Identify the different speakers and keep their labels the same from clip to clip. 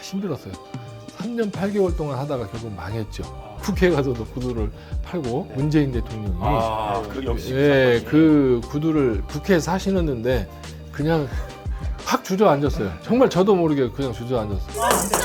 Speaker 1: 힘들었어요. 3년 8개월 동안 하다가 결국 망했죠. 국회에 가서도 구두를 팔고 문재인 대통령이
Speaker 2: 역시
Speaker 1: 예, 그 구두를 국회에서 하시는데 그냥 확 주저앉았어요. 정말 저도 모르게 그냥 주저앉았어요.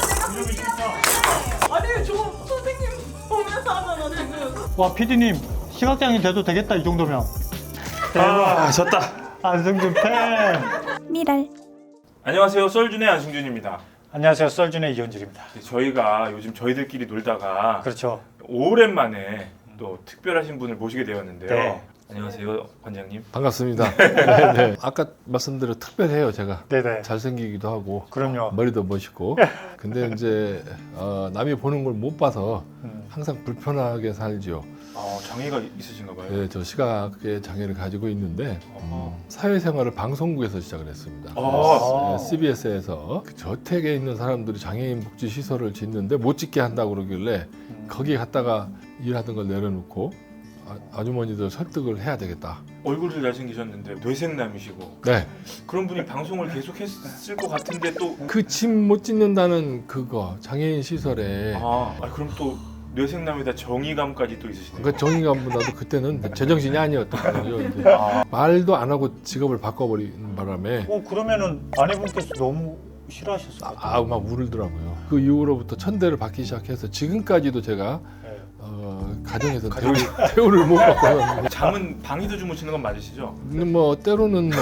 Speaker 3: 아니 저 선생님 보면서 하잖아 지금.
Speaker 4: 와 PD님 시각장애 돼도 되겠다 이 정도면.
Speaker 2: 졌다.
Speaker 4: 안승준 팬.
Speaker 5: 미랄.
Speaker 2: 안녕하세요, 썰준의 안승준입니다.
Speaker 4: 안녕하세요, 썰준의 이현준입니다.
Speaker 2: 저희가 요즘 저희들끼리 놀다가
Speaker 4: 그렇죠.
Speaker 2: 오랜만에 또 특별하신 분을 모시게 되었는데요.
Speaker 4: 네.
Speaker 2: 안녕하세요, 관장님.
Speaker 1: 반갑습니다. 네, 네. 아까 말씀드린 특별해요, 제가.
Speaker 4: 네네.
Speaker 1: 잘생기기도 하고
Speaker 4: 그럼요.
Speaker 1: 머리도 멋있고. 근데 이제 남이 보는 걸 못 봐서 항상 불편하게 살죠.
Speaker 2: 장애가 있으신가 봐요.
Speaker 1: 네, 저 시각의 장애를 가지고 있는데 사회생활을 방송국에서 시작을 했습니다. CBS에서 그 저택에 있는 사람들이 장애인 복지 시설을 짓는데 못 짓게 한다고 그러길래 거기 갔다가 일하던 걸 내려놓고 아주머니들 설득을 해야 되겠다.
Speaker 2: 얼굴도 잘생기셨는데 뇌생남이시고
Speaker 1: 네,
Speaker 2: 그런 분이 방송을 계속 했을 것 같은데 또
Speaker 1: 그 집 못 짓는다는 그거 장애인 시설에
Speaker 2: 그럼 또 뇌생남에다 정의감까지 또 있으시네요.
Speaker 1: 그 정의감보다도 그때는 제정신이 아니었던 거죠. 이제 말도 안 하고 직업을 바꿔버린 바람에
Speaker 4: 그러면은 아내분께서 너무 싫어하셨을 것 같아요.
Speaker 1: 막 울더라고요. 그 이후로부터 천대를 받기 시작해서 지금까지도 제가
Speaker 4: 네.
Speaker 1: 가정에서 대우를 못 받고
Speaker 2: 잠은 방에서 주무시는 건 맞으시죠?
Speaker 1: 뭐 때로는 뭐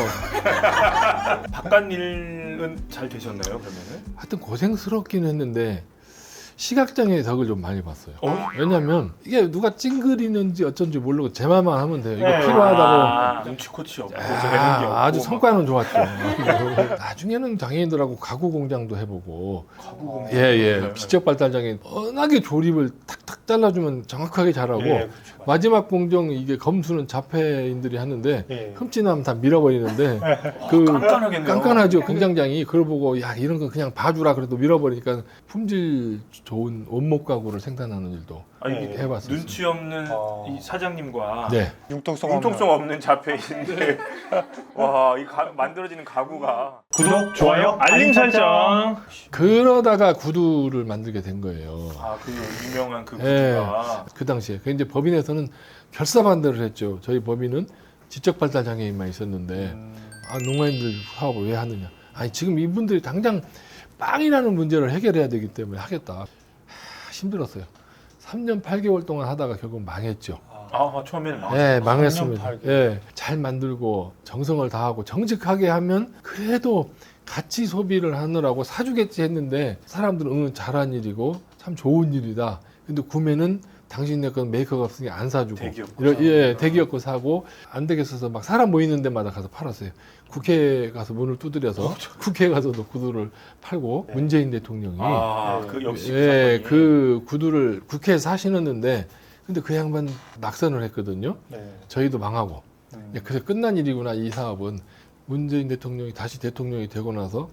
Speaker 2: 바깥 일은 잘 되셨나요, 그러면은?
Speaker 1: 하여튼 고생스럽긴 했는데 시각장애의 덕을 좀 많이 봤어요. 왜냐면 이게 누가 찡그리는지 어쩐지 모르고 제 말만 하면 돼요. 이거
Speaker 4: 네.
Speaker 1: 필요하다고.
Speaker 2: 눈치코치 없고 재능이 없고
Speaker 1: 아주
Speaker 2: 막
Speaker 1: 성과는 좋았죠. 나중에는 장애인들하고 가구 공장도 해보고
Speaker 2: 가구 공장.
Speaker 1: 예. 지적 발달 장애인 워낙에 조립을 탁탁 잘라주면 정확하게 잘하고
Speaker 4: 그렇죠.
Speaker 1: 마지막 공정 이게 검수는 자폐인들이 하는데
Speaker 4: 예.
Speaker 1: 흠집나면 다 밀어버리는데 그
Speaker 2: 깐깐하겠네요.
Speaker 1: 깐깐하죠. 공장장이 그걸 보고 야 이런 거 그냥 봐주라 그래도 밀어버리니까 품질 좋은 원목 가구를 생산하는 일도
Speaker 2: 아니,
Speaker 1: 해봤었어요.
Speaker 2: 눈치 없는 이 사장님과
Speaker 1: 네.
Speaker 4: 융통성
Speaker 2: 없는 자폐인데 와, 이 만들어지는 가구가
Speaker 4: 구독, 좋아요,
Speaker 2: 알림 설정.
Speaker 1: 그러다가 구두를 만들게 된 거예요.
Speaker 2: 그 유명한 그
Speaker 1: 예.
Speaker 2: 구두가
Speaker 1: 그 당시에. 그 이제 법인에서는 결사반대를 했죠. 저희 법인은 지적 발달 장애인만 있었는데 농아인들 사업을 왜 하느냐. 아니 지금 이분들이 당장 빵이라는 문제를 해결해야 되기 때문에 하겠다. 힘들었어요. 3년 8개월 동안 하다가 결국 망했죠.
Speaker 2: 처음에는
Speaker 1: 네,
Speaker 4: 3년
Speaker 1: 망했습니다.
Speaker 4: 8개월.
Speaker 1: 예, 잘 만들고 정성을 다하고 정직하게 하면 그래도 같이 소비를 하느라고 사주겠지 했는데 사람들은 잘한 일이고 참 좋은 일이다. 근데 구매는 당신네 건 메이커가 없으니 안 사주고 대기업 거 사고 안 되겠어서 막 사람 모이는 데마다 가서 팔았어요. 국회에 가서 문을 두드려서 국회에 가서도 구두를 팔고 문재인 대통령이
Speaker 2: 역시
Speaker 1: 그 구두를 국회에서 하시는데 근데 그 양반 낙선을 했거든요.
Speaker 4: 네.
Speaker 1: 저희도 망하고 그래서 끝난 일이구나 이 사업은. 문재인 대통령이 다시 대통령이 되고 나서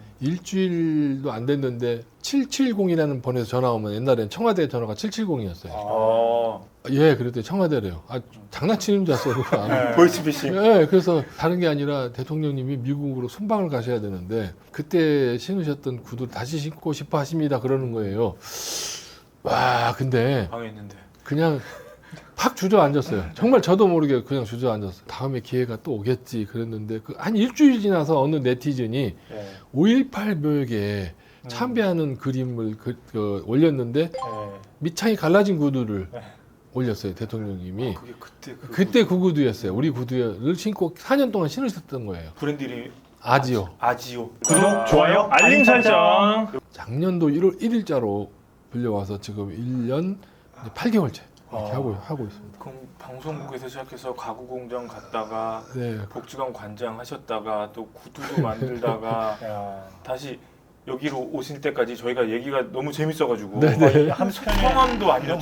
Speaker 1: 일주일도 안 됐는데 770이라는 번에서 전화 오면 옛날엔 청와대 전화가 770이었어요. 예, 그랬더니 청와대래요. 장난치는 줄 알았어요.
Speaker 2: 보이스피싱.
Speaker 1: 예, 그래서 다른 게 아니라 대통령님이 미국으로 순방을 가셔야 되는데 그때 신으셨던 구두 다시 신고 싶어 하십니다. 그러는 거예요. 와, 근데
Speaker 2: 방에 있는데.
Speaker 1: 그냥 팍 주저앉았어요. 정말 저도 모르게 그냥 주저앉았어요. 다음에 기회가 또 오겠지 그랬는데 한 일주일 지나서 어느 네티즌이 5.18 묘역에 참배하는 그림을 올렸는데 밑창이 갈라진 구두를 올렸어요. 대통령님이.
Speaker 2: 그게
Speaker 1: 그때 그 구두였어요. 우리 구두를 신고 4년 동안 신으셨던 거예요.
Speaker 2: 브랜드 이름이
Speaker 1: 아지오.
Speaker 2: 구독, 좋아요, 알림 설정.
Speaker 1: 작년도 1월 1일자로 불려와서 지금 1년 8개월째 이렇게 하고 있습니다.
Speaker 2: 그럼 방송국에서 시작해서 가구 공장 갔다가
Speaker 1: 네.
Speaker 2: 복지관 관장 하셨다가 또 구두도 만들다가 다시 여기로 오신 때까지 저희가 얘기가 너무 재밌어가지고 성함도 안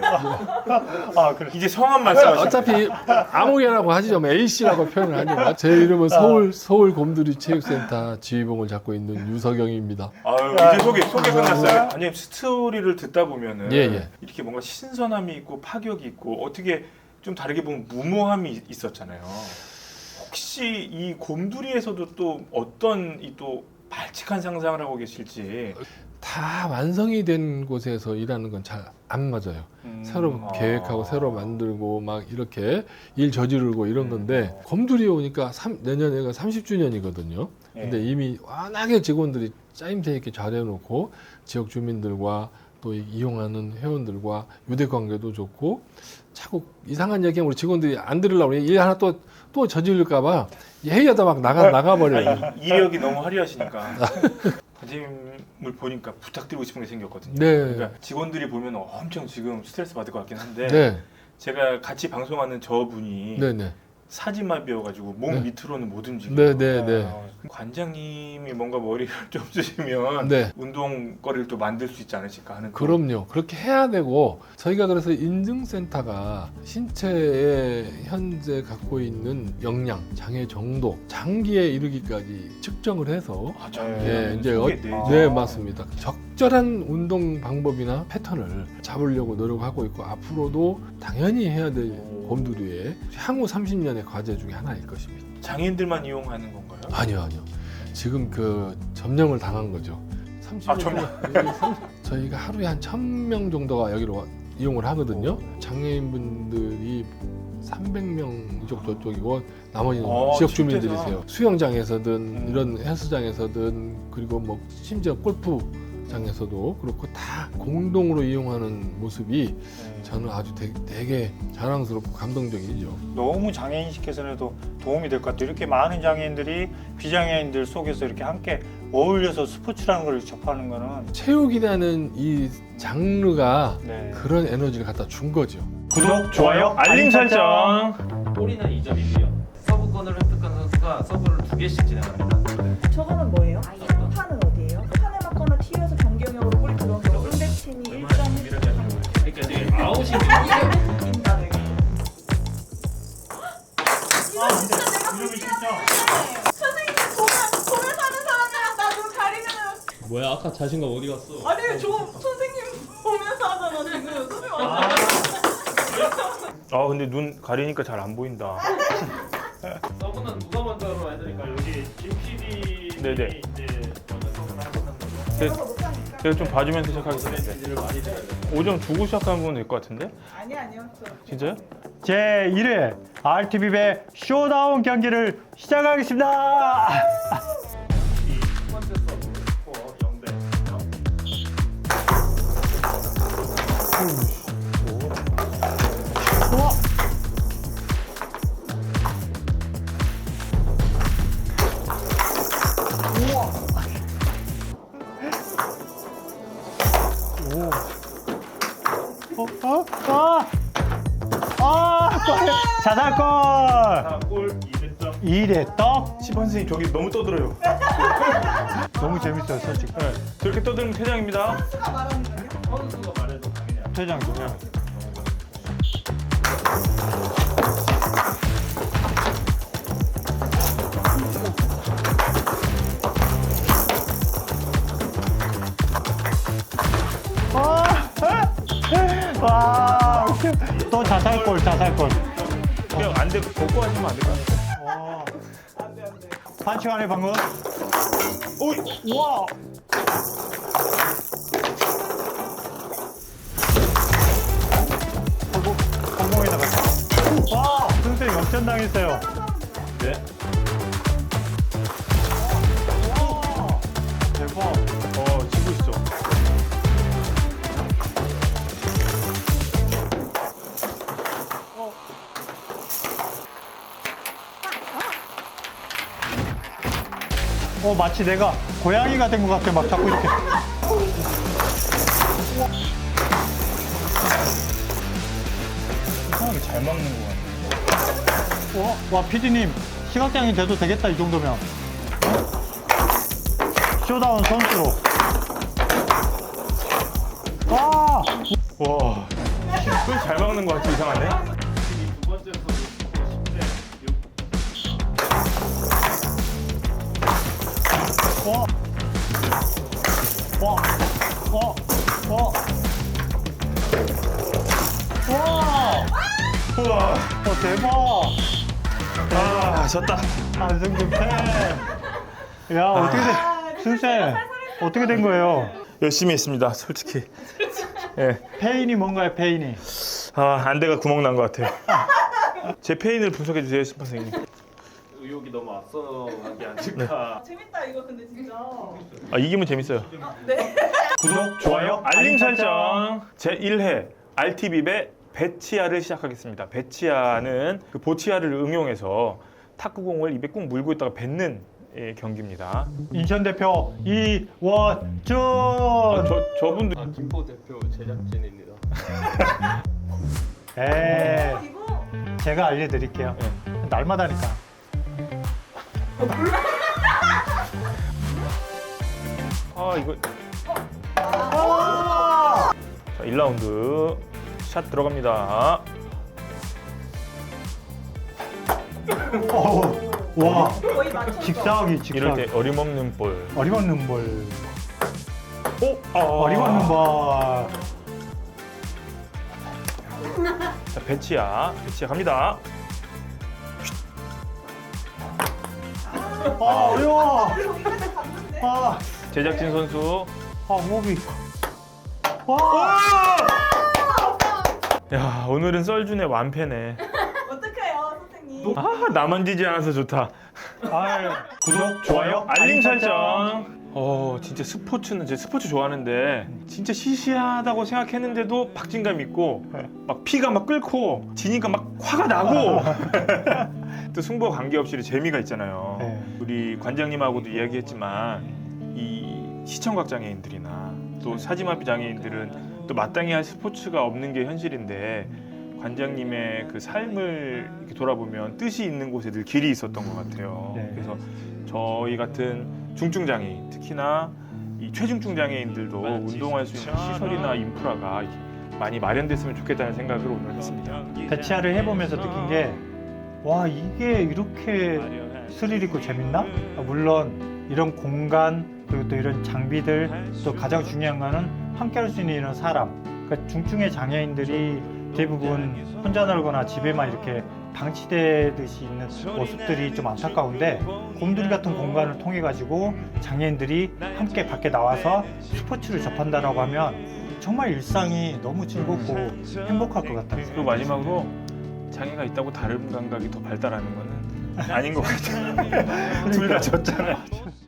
Speaker 2: 여쭤봤어요.
Speaker 4: 그래.
Speaker 2: 이제 성함 말씀하시죠.
Speaker 1: 어차피 아무개라고 하시죠. 뭐 A씨라고 표현을 하죠. 제 이름은 서울 곰돌이 체육센터 지휘봉을 잡고 있는 유석영입니다.
Speaker 2: 이제 소개 끝났어요. 아니 스토리를 듣다 보면은
Speaker 1: 예.
Speaker 2: 이렇게 뭔가 신선함이 있고 파격이 있고 어떻게 좀 다르게 보면 무모함이 있었잖아요. 혹시 이 곰돌이에서도 또 어떤 이 또 발칙한 상상을 하고 계실지.
Speaker 1: 다 완성이 된 곳에서 일하는 건 잘 안 맞아요. 새로 계획하고 새로 만들고 막 이렇게 일 저지르고 이런 건데 검들이 오니까 내년에가 30주년이거든요. 근데 이미 워낙에 직원들이 짜임새 있게 잘해놓고 지역 주민들과 또 이용하는 회원들과 유대 관계도 좋고 자꾸 이상한 얘기하면 우리 직원들이 안 들으려고 일 하나 또 저지를까봐 회의하다 막 나가버려요.
Speaker 2: 아니, 이력이 너무 화려하시니까. 과장님을 보니까 부탁드리고 싶은 게 생겼거든요.
Speaker 1: 네.
Speaker 2: 그러니까 직원들이 보면 엄청 지금 스트레스 받을 것 같긴 한데
Speaker 1: 네.
Speaker 2: 제가 같이 방송하는 저분이
Speaker 1: 네네.
Speaker 2: 사지마비여가지고 몸
Speaker 1: 네.
Speaker 2: 밑으로는 못 움직여요.
Speaker 1: 네네네.
Speaker 2: 관장님이 뭔가 머리를 좀 쓰시면
Speaker 1: 네.
Speaker 2: 운동거리를 또 만들 수 있지 않으실까 하는
Speaker 1: 그럼요. 그렇게 해야 되고 저희가 그래서 인증센터가 신체에 현재 갖고 있는 역량, 장애 정도, 장기에 이르기까지 측정을 해서
Speaker 2: 아,
Speaker 1: 예, 이제 네 맞습니다. 적절한 운동 방법이나 패턴을 잡으려고 노력하고 있고 앞으로도 당연히 해야 될 검두리의 향후 30년의 과제 중에 하나일 것입니다.
Speaker 2: 장애인들만 이용하는 건가요?
Speaker 1: 아니요. 지금 그 점령을 당한 거죠. 30년 저희가 하루에 한 1,000명 정도가 여기로 이용을 하거든요. 장애인분들이 300명 이쪽 저쪽이고 나머지는 지역 주민들이세요. 수영장에서든 이런 헬스장에서든 그리고 뭐 심지어 골프장에서도 그렇고 다 공동으로 이용하는 모습이 저는 아주 되게 자랑스럽고 감동적이죠.
Speaker 4: 너무 장애인식 개선에도 도움이 될 것 같아요. 이렇게 많은 장애인들이 비장애인들 속에서 이렇게 함께 어울려서 스포츠라는 걸 접하는 거는
Speaker 1: 체육이라는 이 장르가
Speaker 4: 네.
Speaker 1: 그런 에너지를 갖다 준 거죠.
Speaker 2: 구독, 좋아요, 알림 설정.
Speaker 5: 골이는 2점이고요. 서브권을 획득한 선수가 서브를 2개씩 진행합니다.
Speaker 3: 저거는 뭐예요? 판은 어디예요? 판에 맞거나 튀어서 변경형으로 골 들어온 거 상대팀이 1점
Speaker 5: 그러니까 이제 아웃이
Speaker 3: 이긴다 되게. 이거 진짜 내가
Speaker 4: 이름이
Speaker 3: 진짜
Speaker 4: 진짜
Speaker 3: 선생님 공을 사는 사람이랑 나 눈 가리면은
Speaker 5: 뭐야 아까 자신감 어디 갔어?
Speaker 3: 아니 저 선생님 보면서 하잖아 지금 선생님
Speaker 2: 아 근데 눈 가리니까 잘 안 보인다.
Speaker 5: 서브는 누가 먼저 해야 되니까 여기 김 PD
Speaker 2: 네네.
Speaker 5: 이제 먼저 서브를 하고
Speaker 2: 제가 좀 봐주면서 시작하겠습니다.
Speaker 5: 지지를 많이 드려야 돼요.
Speaker 2: 5점 주고 시작하면 될 것 같은데?
Speaker 3: 아니요
Speaker 2: 진짜요?
Speaker 4: 제 1회 RTV배 쇼다운 경기를 시작하겠습니다.
Speaker 5: 첫 번째 서브 스코어 0대 0.
Speaker 4: 자살골
Speaker 5: 자, 골 2점.
Speaker 4: 2대 떡.
Speaker 2: 10번 선생님 저기 너무 떠들어요.
Speaker 4: 너무 재밌어요 솔직히.
Speaker 2: 네, 저렇게 떠들면 퇴장입니다.
Speaker 3: 선수가 말하는 거예요?
Speaker 5: 선수가 말해도 당연히 안
Speaker 4: 퇴장 그냥. 와, 또 자살골.
Speaker 2: 그냥 안 돼, 벗고 하시면 안 될까요?
Speaker 3: 안돼
Speaker 4: 반칙 안에 방금.
Speaker 2: 오이!
Speaker 4: 와. 공공에 나갔다. 와, 선생님 역전당했어요.
Speaker 2: 네.
Speaker 4: 와, 대박.
Speaker 2: 지고 있어.
Speaker 4: 마치 내가 고양이가 된 것 같아. 막 자꾸 이렇게.
Speaker 2: 이상하게 잘 막는 것 같네.
Speaker 4: 와, PD님 시각장애 돼도 되겠다 이 정도면. 쇼다운 선수로. 와,
Speaker 2: 와, 잘 막는 것 같지 이상하네.
Speaker 5: 두 번째 서브 스코어 10대 6.
Speaker 4: 와,
Speaker 2: 우와.
Speaker 4: 대박.
Speaker 2: 아, 졌다.
Speaker 4: 안승준 팬. 야, 어떻게 돼? 등쌤 어떻게 된 거예요?
Speaker 2: 열심히 했습니다, 솔직히. 예.
Speaker 4: 페인이 뭔가요, 페인이?
Speaker 2: 아, 안대가 구멍 난 것 같아요. 제 페인을 분석해 주세요, 심판 선생님.
Speaker 5: 의욕이 너무 앞서간 게 아닐까.
Speaker 3: 재밌다 이거 근데 진짜.
Speaker 2: 아, 이기면 재밌어요.
Speaker 3: 네.
Speaker 2: 구독, 좋아요, 알림 설정. 제 1회 RTB의 배치아를 시작하겠습니다. 배치아는 그 보치아를 응용해서 탁구공을 입에 꾹 물고 있다가 뱉는 경기입니다.
Speaker 4: 인천 대표 이원준.
Speaker 2: 저분도
Speaker 5: 김포 대표 제작진입니다.
Speaker 3: 이거
Speaker 4: 제가 알려드릴게요. 날마다니까.
Speaker 2: 이거 자, 1라운드 샷 들어갑니다.
Speaker 4: 와,
Speaker 3: 거의 맞췄어.
Speaker 4: 직사하기
Speaker 2: 이럴
Speaker 4: 직사하기.
Speaker 2: 때 어림없는 볼.
Speaker 4: 어림없는 볼.
Speaker 2: 오,
Speaker 4: 어림없는 볼.
Speaker 2: 자, 배치아 갑니다.
Speaker 4: 어려워.
Speaker 3: 여기까지 갔는데.
Speaker 2: 제작진 선수.
Speaker 4: 목이. 와.
Speaker 2: 야, 오늘은 썰준의 완패네.
Speaker 3: 어떡해요 선생님.
Speaker 2: 나만 지지 않아서 좋다.
Speaker 4: 아유.
Speaker 2: 구독, 좋아요, 알림 설정. 진짜 스포츠는 제 스포츠 좋아하는데 진짜 시시하다고 생각했는데도 박진감 있고 막 피가 막 끓고 지니까 막 화가 나고 또 승부와 관계없이 재미가 있잖아요.
Speaker 4: 네.
Speaker 2: 우리 관장님하고도 이야기했지만 이 시청각 장애인들이나 또 사지마비 장애인들은 또 마땅히 할 스포츠가 없는 게 현실인데 관장님의 그 삶을 이렇게 돌아보면 뜻이 있는 곳에 늘 길이 있었던 것 같아요.
Speaker 4: 네.
Speaker 2: 그래서 저희 같은 중증 장애인, 특히나 이 최중증 장애인들도 운동할 수 있는 시설이나 인프라가 많이 마련됐으면 좋겠다는 생각을 오늘 했습니다.
Speaker 4: 배치아를 해보면서 느낀 게, 와, 이게 이렇게 스릴 있고 재밌나? 물론 이런 공간 그리고 또 이런 장비들, 또 가장 중요한 거는 함께 할 수 있는 이런 사람. 그러니까 중증의 장애인들이 대부분 혼자 놀거나 집에만 이렇게 방치되듯이 있는 모습들이 좀 안타까운데, 곰돌이 같은 공간을 통해 가지고 장애인들이 함께 밖에 나와서 스포츠를 접한다라고 하면 정말 일상이 너무 즐겁고 행복할 것 같아요.
Speaker 2: 그리고 마지막으로 장애가 있다고 다른 감각이 더 발달하는 거는 아닌 것 같아요. 둘 다 졌잖아요.